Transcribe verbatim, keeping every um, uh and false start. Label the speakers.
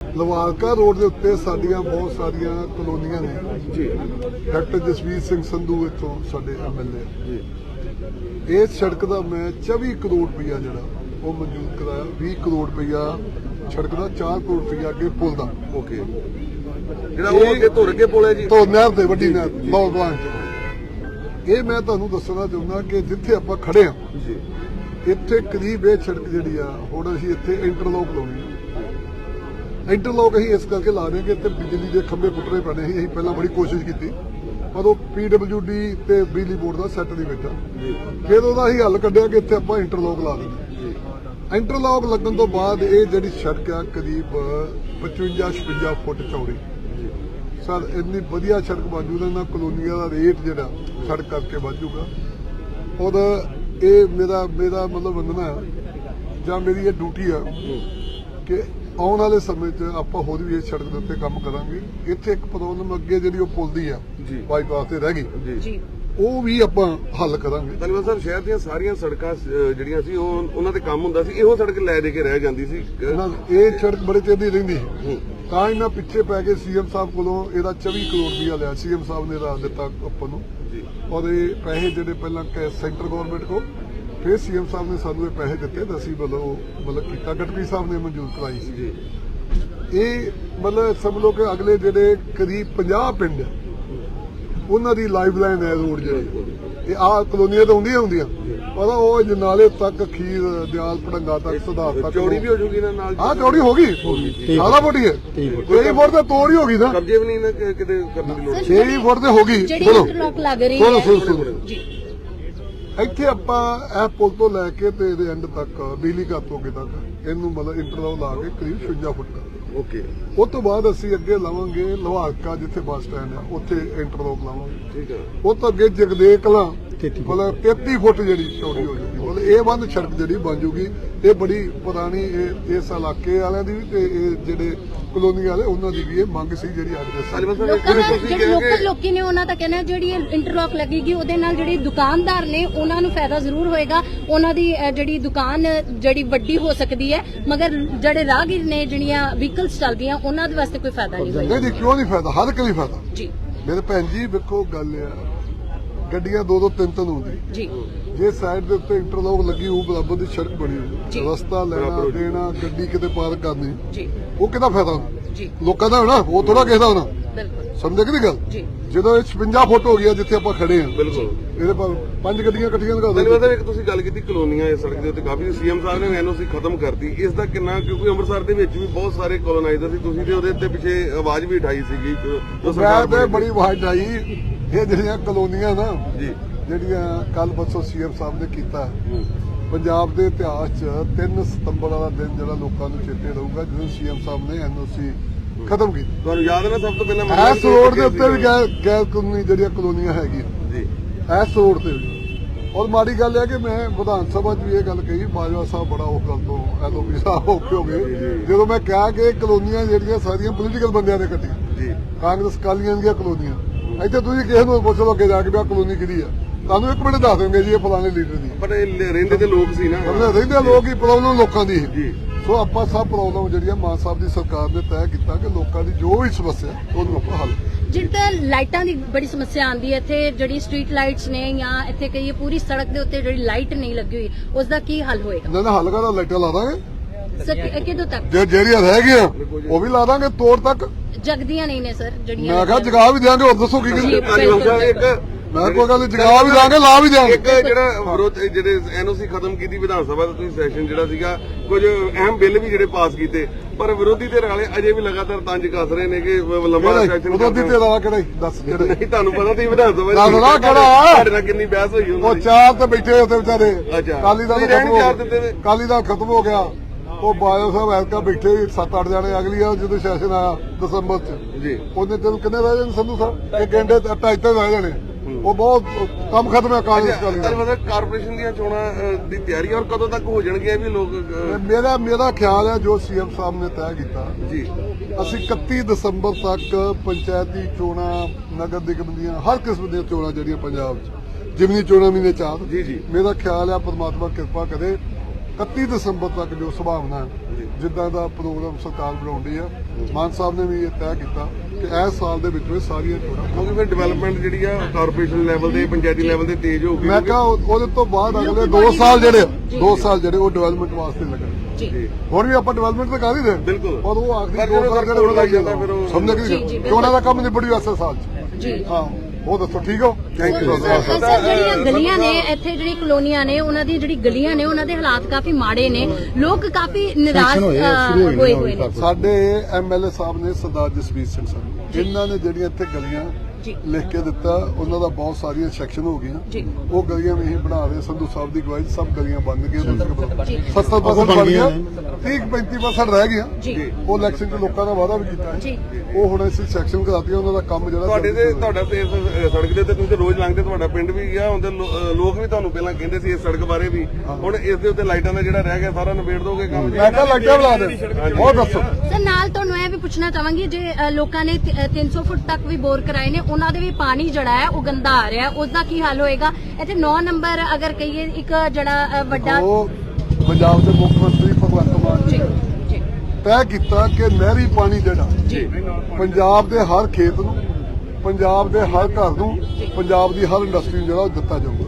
Speaker 1: ਲਵਾਰਕਾ road ਦੇ ਉੱਤੇ ਸਾਡੀਆਂ ਬਹੁਤ ਸਾਰੀਆਂ ਕਲੋਨੀਆਂ ਨੇ ਜੀ। ਡਾਕਟਰ ਜਸਵੀਰ ਸਿੰਘ ਸੰਧੂ ਇੱਥੋਂ ਸਾਡੇ ਐਮਐਲਏ ਜੀ। ਇਸ ਸੜਕ ਦਾ ਮੈਂ ਚੌਵੀ ਕਰੋੜ ਰੁਪਈਆ ਜਿਹੜਾ ਉਹ ਮਨਜ਼ੂਰ ਕਰਾਇਆ। ਵੀਹ ਕਰੋੜ ਰੁਪਈਆ ਸੜਕ ਦਾ, ਚਾਰ ਕਰੋੜ ਰੁਪਈਆ ਅੱਗੇ ਪੁਲ ਦਾ।
Speaker 2: ਓਕੇ, ਜਿਹੜਾ ਉਹ ਅੱਗੇ ਧੁਰ ਕੇ ਪੁਲ ਹੈ ਜੀ,
Speaker 1: ਧੁਰ ਨਹਿਰ ਤੇ ਵੱਡੀ ਨਹਿਰ ਬਹੁਤ ਬਲਾਂਚ। ਇਹ ਮੈਂ ਤੁਹਾਨੂੰ ਦੱਸਣਾ ਚਾਹੁੰਦਾ ਕਿ ਜਿੱਥੇ ਆਪਾਂ ਖੜੇ ਹਾਂ
Speaker 2: ਜੀ,
Speaker 1: ਇੱਥੇ ਕਰੀਬ ਇਹ ਸੜਕ ਜਿਹੜੀ ਆ ਹੁਣ ਅਸੀਂ ਇੱਥੇ ਇੰਟਰਲੋਕ ਲਾਉਣੀ ਆ। ਇੰਟਰਲੋਕ ਅਸੀਂ ਇਸ ਕਰਕੇ ਲਾ ਰਹੇ ਕਿ ਇੱਥੇ ਬਿਜਲੀ ਦੇ ਖੰਭੇ ਪੁੱਟਣੇ ਪੈਣੇ ਸੀ। ਅਸੀਂ ਪਹਿਲਾਂ ਬੜੀ ਕੋਸ਼ਿਸ਼ ਕੀਤੀ ਪਰ ਉਹ ਪੀਡਬਲਿਊ ਡੀ ਤੇ ਬਿਜਲੀ ਬੋਰਡ ਦਾ ਸੈੱਟ ਨਹੀਂ ਬੈਠਾ। ਫਿਰ ਉਹਦਾ ਅਸੀਂ ਹੱਲ ਕੱਢਿਆ ਕਿ ਇੱਥੇ ਆਪਾਂ ਇੰਟਰਲੋਕ ਲਾ ਦਿੰਦੇ। ਇੰਟਰਲੋਕ ਲੱਗਣ ਤੋਂ ਬਾਅਦ ਇਹ ਜਿਹੜੀ ਸੜਕ ਆ ਕਰੀਬ ਪਚਵੰਜਾ ਛਪੰਜਾ ਫੁੱਟ ਚੌੜੀ। ਸਰ ਇੰਨੀ ਵਧੀਆ ਸੜਕ ਬਣ ਜੂਗਾ, ਇਹਨਾਂ ਕਲੋਨੀਆਂ ਦਾ ਰੇਟ ਜਿਹੜਾ ਸੜਕ ਕਰਕੇ ਵੱਧ ਜੂਗਾ। ਔਰ ਇਹ ਮੇਰਾ ਮੇਰਾ ਮਤਲਬ ਮੰਨਣਾ ਜਾਂ ਮੇਰੀ ਇਹ ਡਿਊਟੀ ਆ ਕਿ ਆਉਣ ਵਾਲੇ ਸਮੇਂ 'ਚ ਆਪਾਂ ਹੋਰ ਵੀ ਇਸ ਸੜਕ ਦੇ ਉੱਤੇ ਕੰਮ ਕਰਾਂਗੇ। ਇੱਥੇ ਇੱਕ ਪ੍ਰੋਬਲਮ ਅੱਗੇ ਜਿਹੜੀ ਉਹ ਪੁਲ ਦੀ ਆ ਬਾਈਪਾਸ ਤੇ ਰਹਿ ਗਈ ਜੀ, ਉਹ ਵੀ ਆਪਾਂ ਹੱਲ ਕਰਾਂਗੇ।
Speaker 2: ਧੰਨਵਾਦ ਸਰ। ਸ਼ਹਿਰ ਦੀਆਂ ਸਾਰੀਆਂ ਸੜਕਾਂ ਜਿਹੜੀਆਂ ਸੀ ਉਹ ਉਹਨਾਂ ਤੇ ਕੰਮ ਹੁੰਦਾ ਸੀ, ਇਹੋ ਸੜਕ ਲੈ ਦੇ ਕੇ ਰਹਿ ਜਾਂਦੀ ਸੀ।
Speaker 1: ਇਹ ਸੜਕ ਬੜੇ ਚਿਰ ਦੀ ਰਹਿੰਦੀ ਸੀ, ਤਾਂ ਇਹਨਾਂ ਪਿੱਛੇ ਪੈ ਕੇ ਸੀਐਮ ਸਾਹਿਬ ਕੋਲੋਂ ਇਹਦਾ ਚੌਵੀ ਕਰੋੜ ਰੁਪਇਆ ਲਿਆ। ਸੀਐਮ ਸਾਹਿਬ ਨੇ ਰਾਜ ਦਿੱਤਾ ਆਪਾਂ ਨੂੰ ਔਰ ਇਹ ਪੈਸੇ ਜਿਹੜੇ ਪਹਿਲਾਂ ਸੈਂਟਰ ਗਵਰਨਮੈਂਟ ਕੋਲ, ਫਿਰ ਸੀਐਮ ਸਾਹਿਬ ਨੇ ਸਾਨੂੰ ਇਹ ਪੈਸੇ ਦਿੱਤੇ ਤਾਂ ਅਸੀਂ ਮਤਲਬ ਮਤਲਬ ਕੀਤਾ। ਗਡਕਰੀ ਸਾਹਿਬ ਨੇ ਮਨਜ਼ੂਰ ਕਰਾਈ ਸੀ। ਇਹ ਮਤਲਬ ਸਮਝ ਲਓ ਕਿ ਅਗਲੇ ਜਿਹੜੇ ਕਰੀਬ ਪੰਜਾਹ ਪਿੰਡ ਉਹਨਾਂ ਦੀ ਲਾਈਫ ਲਾਈਨ ਹੈ ਰੋਡ ਜਿਹੜੀ। ਇਹ ਆਹ ਕਲੋਨੀਆਂ ਤਾਂ ਹੁੰਦੀਆਂ ਹੁੰਦੀਆਂ ਪਰ ਉਹ ਜਨਾਲੇ ਤੱਕ, ਖੀਰ ਦਿਆਲ ਪੜੰਗਾ ਤੱਕ, ਸੁਧਾਰ ਤੱਕ
Speaker 2: ਚੌੜੀ ਵੀ ਹੋ ਜੂਗੀ ਨਾ ਨਾਲ।
Speaker 1: ਹਾਂ ਚੌੜੀ ਹੋ ਗਈ, ਸਾਰਾ ਫੁੱਟ ਹੈ। ਛੇ ਫੁੱਟ ਤੇ ਤੋੜ ਹੀ ਹੋ ਗਈ ਨਾ,
Speaker 2: ਕਬਜੇ ਵੀ ਨਹੀਂ ਨਾ ਕਿਤੇ ਕਰਨ ਦੀ ਲੋੜ।
Speaker 1: ਛੇ ਫੁੱਟ ਤੇ ਹੋ ਗਈ।
Speaker 3: ਚਲੋ ਚਲੋ
Speaker 1: ਜੀ, ਇੱਥੇ ਆਪਾਂ ਇਹ ਪੁਲ ਤੋਂ ਲੈ ਕੇ ਤੇ ਇਹਦੇ ਐਂਡ ਤੱਕ ਬਿਜਲੀ ਘਰ ਤੋਂ ਅੱਗੇ ਤੱਕ ਇਹਨੂੰ ਮਤਲਬ ਇੰਟਰਲੋਕ ਲਾ ਕੇ ਕਰੀਬ ਛਪੰਜਾ ਫੁੱਟ ਦਾ।
Speaker 2: ਓਕੇ,
Speaker 1: ਉਸ ਤੋਂ ਬਾਅਦ ਅਸੀਂ ਅੱਗੇ ਲਾਵਾਂਗੇ ਲਵਾਰਕਾ ਜਿੱਥੇ ਬੱਸ ਸਟੈਂਡ ਹੈ ਉੱਥੇ ਇੰਟਰਲੋਕ ਲਾਵਾਂਗੇ। ਠੀਕ ਹੈ। ਉਹ ਤੋਂ ਅੱਗੇ ਜਗਦੇ ਕਲਾਂ ਮਤਲਬ ਤੇਤੀ ਫੁੱਟ ਜਿਹੜੀ ਚੌੜੀ ਹੋ ਜਾਊਗੀ। ਮਤਲਬ ਇਹ ਬੰਦ ਸੜਕ ਜਿਹੜੀ ਬਣ ਜੂਗੀ। ਇਹ ਬੜੀ ਪੁਰਾਣੀ ਇਹ ਇਸ ਇਲਾਕੇ ਵਾਲਿਆਂ ਦੀ ਵੀ ਤੇ ਇਹ ਜਿਹੜੇ ਕਲੋਨੀ ਵਾਲੇ ਉਹਨਾਂ ਦੀ ਵੀ ਇਹ ਮੰਗ ਸੀ ਜਿਹੜੀ ਅੱਜ ਦੇ
Speaker 3: ਜਿਹੜੇ ਲੋਕਲ ਲੋਕੀ ਨੇ ਉਹਨਾਂ ਦਾ ਕਹਿਣਾ ਜਿਹੜੀ ਇੰਟਰਲੌਕ ਲੱਗੇਗੀ ਉਹਦੇ ਨਾਲ ਜਿਹੜੇ ਦੁਕਾਨਦਾਰ ਨੇ ਉਹਨਾਂ ਨੂੰ ਫਾਇਦਾ ਜ਼ਰੂਰ ਹੋਏਗਾ। ਉਹਨਾਂ ਦੀ ਜਿਹੜੀ ਦੁਕਾਨ ਜਿਹੜੀ ਵੱਡੀ ਹੋ ਸਕਦੀ ਹੈ, ਮਗਰ ਜਿਹੜੇ ਰਾਹਗੀਰ ਨੇ ਜਿਹੜੀਆਂ ਵਹੀਕਲਸ ਚੱਲਦੀਆਂ ਉਹਨਾਂ ਦੇ ਵਾਸਤੇ ਕੋਈ ਫਾਇਦਾ ਨਹੀਂ ਹੋਏਗਾ।
Speaker 1: ਨਹੀਂ, ਕਿਉਂ ਨਹੀਂ ਫਾਇਦਾ? ਹਰ ਇੱਕ ਲਈ ਫਾਇਦਾ
Speaker 3: ਜੀ।
Speaker 1: ਮੇਰੇ ਭੈਣ ਜੀ ਵੇਖੋ ਗੱਲ ਆ, ਗੱਡੀਆਂ ਦੋ ਦੋ ਤਿੰਨ ਤਿੰਨ ਹੁੰਦੀ ਜੀ। ਜੇ ਸਾਈਡ ਦੇ ਉੱਤੇ ਇੰਟਰਲੋਕ ਲੱਗੀ ਉਹ ਬਰਾਬਰ ਦੀ ਸੜਕ ਬਣੀ ਹੋਈ, ਰਸਤਾ ਲੈਣਾ ਦੇਣਾ, ਗੱਡੀ ਕਿਤੇ ਪਾਰਕ ਕਰਨੀ ਜੀ, ਉਹ ਕਿਹਦਾ ਫਾਇਦਾ ਜੀ? ਲੋਕਾਂ ਦਾ ਹੋਣਾ, ਉਹ ਥੋੜਾ ਕਿਸੇ ਦਾ ਹੋਣਾ। ਸਮਝੇ ਕਿ ਨਹੀਂ ਗੱਲ? ਜਦੋਂ ਇਹ ਛਪੰਜਾ ਫੁੱਟ ਹੋ ਗਿਆ ਜਿੱਥੇ ਆਪਾਂ ਖੜੇ ਆ, ਬਿਲਕੁਲ ਇਹਦੇ ਪਰ ਪੰਜ ਗੱਡੀਆਂ ਇਕੱਠੀਆਂ ਲਗਾ ਦੋ।
Speaker 2: ਧੰਨਵਾਦ। ਇੱਕ ਤੁਸੀਂ ਗੱਲ ਕੀਤੀ ਕਲੋਨੀਆਂ ਇਸ ਸੜਕ ਦੇ ਉੱਤੇ ਕਾਫੀ ਸੀਐਮ ਸਾਹਿਬ ਨੇ ਐਨਓਸੀ ਖਤਮ ਕਰਤੀ, ਇਸ ਦਾ ਕਿੰਨਾ? ਕਿਉਂਕਿ ਅੰਮ੍ਰਿਤਸਰ ਦੇ ਵਿੱਚ ਵੀ ਬਹੁਤ ਸਾਰੇ ਕੋਲੋਨਾਈਜ਼ਰ ਸੀ, ਤੁਸੀਂ ਤੇ ਉਹਦੇ ਉੱਤੇ ਪਿੱਛੇ ਆਵਾਜ਼ ਵੀ ਉਠਾਈ ਸੀਗੀ।
Speaker 1: ਮੈਂ ਤੇ ਬੜੀ ਆਵਾਜ਼ ਉਠਾਈ। ਇਹ ਜਿਹੜੀਆਂ ਕਲੋਨੀਆਂ ਨਾ ਜੀ, ਜਿਹੜੀਆਂ ਕੱਲ ਪਰਸੋਂ ਸੀਐਮ ਸਾਹਿਬ ਨੇ ਕੀਤਾ, ਪੰਜਾਬ ਦੇ ਇਤਿਹਾਸ 'ਚ ਤਿੰਨ ਸਤੰਬਰ ਵਾਲਾ ਦਿਨ ਜਿਹੜਾ ਲੋਕਾਂ ਨੂੰ ਚੇਤੇ ਰਹੂਗਾ ਜਦੋਂ ਸੀਐਮ ਸਾਹਿਬ ਨੇ ਐਨਓਸੀ ਖਤਮ ਕੀਤੀ। ਤੁਹਾਨੂੰ
Speaker 2: ਯਾਦ ਹੈ ਨਾ ਸਭ ਤੋਂ ਪਹਿਲਾਂ
Speaker 1: ਇਸ ਰੋਡ ਦੇ ਉੱਤੇ ਵੀ ਗੈਰ ਕਾਨੂੰਨੀ ਜਿਹੜੀਆਂ ਕਲੋਨੀਆਂ ਹੈਗੀਆਂ ਜੀ, ਇਸ ਰੋਡ ਤੇ ਵੀ। ਔਰ ਮਾੜੀ ਗੱਲ ਹੈ ਕਿ ਮੈਂ ਵਿਧਾਨ ਸਭਾ 'ਚ ਵੀ ਇਹ ਗੱਲ ਕਹੀ, ਬਾਜਵਾ ਸਾਹਿਬ ਬੜਾ ਉਹ ਗੱਲ ਤੋਂ ਐਲਓਪੀ ਸਾਹਿਬ ਔਖੇ ਹੋ ਗਏ ਜਦੋਂ ਮੈਂ ਕਿਹਾ ਕਿ ਕਲੋਨੀਆਂ ਜਿਹੜੀਆਂ ਸਾਰੀਆਂ ਪੋਲੀਟੀਕਲ ਬੰਦਿਆਂ ਨੇ ਕੱਟੀਆਂ, ਕਾਂਗਰਸ ਕਾਲੀਆਂ ਦੀਆਂ ਕਲੋਨੀਆਂ। ਇੱਥੇ ਤੁਸੀਂ ਕਿਸੇ ਨੂੰ ਪੁੱਛ ਲਓ ਅੱਗੇ ਜਾ ਕੇ ਵੀ ਆਹ ਕਲੋਨੀ ਕਿਹਦੀ ਆ, ਤੁਹਾਨੂੰ ਇੱਕ ਮਿੰਟ ਦੱਸ ਦੇਣਗੇ ਜੀ ਇਹ ਫਲਾਣੇ ਲੀਡਰ ਦੀ।
Speaker 2: ਪਰ ਇਹ ਰਹਿੰਦੇ ਤੇ ਲੋਕ ਸੀ ਨਾ,
Speaker 1: ਰਹਿੰਦੇ ਲੋਕ ਹੀ, ਪ੍ਰੋਬਲਮ ਲੋਕਾਂ ਦੀ ਜੀ। ਸੋ ਆਪਾਂ ਸਭ ਪ੍ਰੋਬਲਮ ਜਿਹੜੀਆਂ ਮਾਨ ਸਾਹਿਬ ਦੀ ਸਰਕਾਰ ਨੇ ਤੈਅ ਕੀਤਾ ਕਿ ਲੋਕਾਂ ਦੀ ਜੋ ਵੀ ਸਮੱਸਿਆ ਉਹਨੂੰ ਆਪਾਂ ਹੱਲ।
Speaker 3: ਜਿੱਦਾਂ ਲਾਈਟਾਂ ਦੀ ਬੜੀ ਸਮੱਸਿਆ ਆਉਂਦੀ ਹੈ ਇੱਥੇ, ਜਿਹੜੀ ਸਟਰੀਟ ਲਾਈਟਸ ਨੇ ਜਾਂ ਇੱਥੇ ਕਹੀਏ ਪੂਰੀ ਸੜਕ ਦੇ ਉੱਤੇ ਜਿਹੜੀ ਲਾਈਟ ਨਹੀਂ ਲੱਗੀ ਹੋਈ, ਉਸ ਦਾ ਕੀ ਹੱਲ ਹੋਏਗਾ?
Speaker 1: ਨਾ ਨਾ ਹੱਲ ਕਰਾ, ਲਾਈਟਾਂ ਲਾ ਦਾਂਗੇ
Speaker 3: ਸਰ। ਕਿਦੋਂ ਤੱਕ?
Speaker 1: ਜੇ ਜਿਹੜੀਆਂ ਰਹਿ ਗਈਆਂ ਉਹ ਵੀ ਲਾ ਦਾਂਗੇ ਤੋੜ ਤੱਕ।
Speaker 3: ਜਗਦੀਆਂ ਨਹੀਂ ਨੇ ਸਰ ਜਿਹੜੀਆਂ।
Speaker 1: ਮੈਂ ਕਿਹਾ ਜਗਾ ਵੀ ਦਿਆਂਗੇ, ਹੋਰ ਦੱਸੋ ਕੀ
Speaker 2: ਕਰੀਏ?
Speaker 1: ਮੈਂ ਕੋਈ ਗੱਲ ਜਗਾ ਵੀ ਦਾਂਗੇ, ਲਾ ਵੀ ਦਿਆਂਗੇ।
Speaker 2: ਇੱਕ ਜਿਹੜਾ ਵਿਰੋਧ ਜਿਹੜੇ ਐਨਓਸੀ ਖਤਮ ਕੀਤੀ ਵਿਧਾਨ ਸਭਾ ਦਾ ਤੁਸੀਂ ਸੈਸ਼ਨ ਜਿਹੜਾ ਸੀਗਾ, ਕੁਝ ਅਹਿਮ ਬਿੱਲ ਵੀ ਜਿਹੜੇ ਪਾਸ ਕੀਤੇ, ਪਰ ਵਿਰੋਧੀ ਧਿਰ ਵਾਲੇ ਅਜੇ ਵੀ ਲਗਾਤਾਰ ਤੰਜ ਕੱਸ ਰਹੇ ਨੇ ਕਿ ਲੰਬਾ ਸੈਸ਼ਨ।
Speaker 1: ਵਿਰੋਧੀ ਧਿਰ ਵਾਲਾ ਕਿਹੜਾ ਦੱਸ?
Speaker 2: ਨਹੀਂ ਤੁਹਾਨੂੰ ਪਤਾ ਤੁਸੀਂ ਵਿਧਾਨ ਸਭਾ
Speaker 1: ਦੱਸਣਾ ਕਿਹੜਾ?
Speaker 2: ਤੁਹਾਡੇ ਨਾਲ ਕਿੰਨੀ ਬਹਿਸ ਹੋਈ
Speaker 1: ਉਹ ਚਾਰ ਤੇ ਬੈਠੇ ਉੱਥੇ ਵਿਚਾਰੇ। ਕਾਲੀ ਦਾ ਕਾਲੀ ਦਾ ਖਤਮ ਹੋ ਗਿਆ, ਉਹ ਬਾਜਵਾ ਸਾਹਿਬ ਐਤਕਾ ਬੈਠੇ ਸੱਤ ਅੱਠ ਜਾਣੇ। ਅਗਲੀ ਆ ਜਦੋਂ ਸੈਸ਼ਨ ਆਇਆ ਦਸੰਬਰ ਚ ਜੀ, ਉਹਨੇ ਦਿਨ ਕਿੰਨੇ ਰਹਿ ਜਾਣੇ ਸੰਧੂ ਸਾਹਿਬ? ਇੱਕ ਘੰਟੇ ਢਾਈ ਤਿੰਨ ਰਹਿ ਜਾਣੇ। ਉਹ ਬਹੁਤ ਕੰਮ ਖਤਮ ਹੈ ਕਾਂਗਰਸ ਕਾਲੀ ਦਾ।
Speaker 2: ਮਤਲਬ ਕਾਰਪੋਰੇਸ਼ਨ ਦੀਆਂ ਚੋਣਾਂ ਦੀ ਤਿਆਰੀ ਔਰ ਕਦੋਂ ਤੱਕ ਹੋ ਜਾਣਗੀਆਂ ਵੀ ਲੋਕ?
Speaker 1: ਮੇਰਾ ਮੇਰਾ ਖਿਆਲ ਹੈ ਜੋ ਸੀਐਮ ਸਾਹਿਬ ਨੇ ਤੈਅ ਕੀਤਾ ਜੀ, ਅਸੀਂ ਇਕੱਤੀ ਦਸੰਬਰ ਤੱਕ ਪੰਚਾਇਤੀ ਚੋਣਾਂ, ਨਗਰ ਨਿਗਮ ਦੀਆਂ ਹਰ ਕਿਸਮ ਦੀਆਂ ਚੋਣਾਂ ਜਿਹੜੀਆਂ ਪੰਜਾਬ 'ਚ, ਜਿਮਨੀ ਚੋਣਾਂ ਮਹੀਨੇ ਚਾਰ ਜੀ ਜੀ, ਮੇਰਾ ਖਿਆਲ ਹੈ ਪਰਮਾਤਮਾ ਕਿਰਪਾ ਕਰੇ ਇਕੱਤੀ ਦਸੰਬਰ ਤੱਕ ਜੋ ਸੰਭਾਵਨਾ ਹੈ ਜਿੱਦਾਂ ਦਾ ਪ੍ਰੋਗਰਾਮ ਸਰਕਾਰ ਬਣਾਉਂਦੀ ਆ ਮਾਨ ਸਾਹਿਬ ਨੇ ਵੀ ਇਹ ਤੈਅ ਕੀਤਾ ਕਿ ਇਸ ਸਾਲ ਦੇ ਵਿੱਚ ਵਿੱਚ ਸਾਰੀਆਂ ਚੋਣਾਂ
Speaker 2: ਕਿਉਂਕਿ ਫਿਰ ਡਿਵੈਲਪਮੈਂਟ ਜਿਹੜੀ ਆ ਕਾਰਪੋਰੇਸ਼ਨ ਲੈਵਲ ਤੇ ਪੰਚਾਇਤੀ ਲੈਵਲ ਤੇ ਤੇਜ਼ ਹੋਊਗੀ
Speaker 1: ਮੈਂ ਕਿਹਾ ਉਹ- ਉਹਦੇ ਤੋਂ ਬਾਅਦ ਅਗਲੇ ਦੋ ਸਾਲ ਜਿਹੜੇ ਦੋ ਸਾਲ ਜਿਹੜੇ ਉਹ ਡਿਵੈਲਪਮੈਂਟ ਵਾਸਤੇ ਲੱਗਣਗੇ
Speaker 3: ਜੀ
Speaker 1: ਹੁਣ ਵੀ ਆਪਾਂ ਡਿਵੈਲਪਮੈਂਟ ਤਾਂ ਕਰ ਹੀ ਰਹੇ
Speaker 2: ਬਿਲਕੁਲ।
Speaker 1: ਪਰ ਉਹ ਆਖਰੀ
Speaker 2: ਪਰ
Speaker 1: ਦੋ
Speaker 2: ਜਦੋਂ
Speaker 1: ਸਾਲ ਜਿਹੜੇ
Speaker 2: ਕੋਲ
Speaker 1: ਉਹ ਲੱਗ
Speaker 2: ਲੱਗ ਜਾਂਦਾ
Speaker 1: ਜਾਂਦਾ
Speaker 2: ਫਿਰ ਉਹ-
Speaker 1: ਸਮਝ
Speaker 3: ਜੀ, ਜੀ,
Speaker 1: ਗਏ ਕਿ
Speaker 3: ਬਿਲਕੁਲ।
Speaker 1: ਉਹਨਾਂ ਦਾ ਕੰਮ ਨਿਬੜੀ ਐਸੇ ਸਾਲ ਚ
Speaker 3: ਜੀ
Speaker 1: ਹਾਂ ਉਹ ਦੱਸੋ ਠੀਕ ਹੋ ਥੈਂਕ ਯੂ
Speaker 3: ਸਰ ਸਰ, ਜਿਹੜੀਆਂ ਗਲੀਆਂ ਨੇ ਇੱਥੇ ਜਿਹੜੀ ਕਲੋਨੀਆਂ ਨੇ ਉਹਨਾਂ ਦੀ ਜਿਹੜੀ ਗਲੀਆਂ ਨੇ ਉਹਨਾਂ ਦੇ ਹਾਲਾਤ ਕਾਫੀ ਮਾੜੇ ਨੇ ਲੋਕ ਕਾਫੀ ਨਿਰਾਸ਼ ਅ, ਹੋਏ ਹੋਏ ਨੇ
Speaker 1: ਸਾਡੇ ਐਮਐਲਏ ਸਾਹਿਬ ਨੇ ਸਰਦਾਰ ਜਸਵੀਰ ਸਿੰਘ ਸਾਹਿਬ ਇਹਨਾਂ ਨੇ ਜਿਹੜੀਆਂ ਇੱਥੇ ਗਲੀਆਂ
Speaker 3: ਜੀ
Speaker 1: ਲਿਖ ਕੇ ਦਿੱਤਾ ਉਹਨਾਂ ਦਾ ਬਹੁਤ ਸਾਰੀਆਂ ਸੈਕਸ਼ਨ ਹੋ ਗਈਆਂ
Speaker 3: ਜੀ
Speaker 1: ਉਹ ਗਲੀਆਂ ਵੀ ਅਸੀਂ ਬਣਾ ਰਹੇ ਸੰਧੂ ਸਾਹਿਬ ਦੀ ਗਵਾਹੀ 'ਚ ਸਭ ਗਲੀਆਂ ਬਣ ਗਈਆਂ
Speaker 3: ਜੀ।
Speaker 1: ਸੱਤਰ ਪਰਸੈਂਟ ਬਣ ਗਿਆ ਤੀਹ ਪੈਂਤੀ ਪਰਸੈਂਟ ਰਹਿ ਗਿਆ
Speaker 3: ਜੀ
Speaker 1: ਉਹ ਇਲੈਕਸ਼ਨ 'ਚ ਲੋਕਾਂ ਦਾ ਵਾਅਦਾ ਵੀ ਕੀਤਾ ਹੈ
Speaker 3: ਜੀ
Speaker 1: ਉਹ ਹੁਣ ਅਸੀਂ ਸੈਕਸ਼ਨ ਕਰਾਤੀ ਉਹਨਾਂ ਦਾ ਕੰਮ ਜਿਹੜਾ
Speaker 2: ਤੁਹਾਡੇ ਤੇ ਤੁਹਾਡਾ ਤੇ ਇਸ ਸੜਕ ਦੇ ਉੱਤੇ ਤੁਸੀਂ ਤੇ ਰੋਜ਼ ਲੰਘਦੇ ਤੁਹਾਡਾ ਪਿੰਡ ਵੀ ਗਿਆ ਹੁੰਦੇ ਲੋਕ ਵੀ ਤੁਹਾਨੂੰ ਪਹਿਲਾਂ ਕਹਿੰਦੇ ਸੀ ਇਸ ਸੜਕ ਬਾਰੇ ਵੀ ਹੁਣ ਇਸ ਦੇ ਉੱਤੇ ਲਾਈਟਾਂ ਦਾ ਜਿਹੜਾ ਰਹਿ ਗਿਆ ਸਾਰਾ ਨਿਬੇੜ ਦੋਗੇ ਕੰਮ
Speaker 1: ਮੈਂ ਕਿਹਾ ਲੱਗਿਆ ਬੁਲਾ ਦੇ ਉਹ ਦੱਸੋ
Speaker 3: ਸਰ ਨਾਲ ਤੁਹਾਨੂੰ ਇਹ ਵੀ ਪੁੱਛਣਾ ਚਾਹਾਂਗੀ ਜੇ ਅ, ਲੋਕਾਂ ਨੇ ਤ- ਅ, ਤਿੰਨ ਸੌ ਫੁੱਟ ਤੱਕ ਵੀ ਬੋਰ ਕਰਾਏ ਨੇ ਉਹਨਾਂ ਦੇ ਵੀ ਪਾਣੀ ਜਿਹੜਾ ਹੈ ਉਹ ਗੰਦਾ ਆ ਰਿਹਾ ਉਸ ਦਾ ਕੀ ਹੱਲ ਹੋਏਗਾ ਇੱਥੇ ਨੌ ਨੰਬਰ ਅਗਰ ਕਹੀਏ ਇੱਕ ਜਿਹੜਾ ਅ, ਵੱਡਾ
Speaker 1: ਉਹ ਪੰਜਾਬ ਦੇ ਮੁੱਖ ਮੰਤਰੀ ਭਗਵੰਤ ਮਾਨ
Speaker 3: ਜੀ
Speaker 1: ਜੀ
Speaker 3: ਜੀ
Speaker 1: ਤੈਅ ਕੀਤਾ ਕਿ ਨਹਿਰੀ ਪਾਣੀ ਜਿਹੜਾ
Speaker 3: ਜੀ
Speaker 1: ਪੰਜਾਬ ਦੇ ਹਰ ਖੇਤ ਨੂੰ ਪੰਜਾਬ ਦੇ ਹਰ ਘਰ ਨੂੰ ਪੰਜਾਬ ਦੀ ਹਰ ਇੰਡਸਟਰੀ ਨੂੰ ਜਿਹੜਾ ਉਹ ਦਿੱਤਾ ਜਾਊਗਾ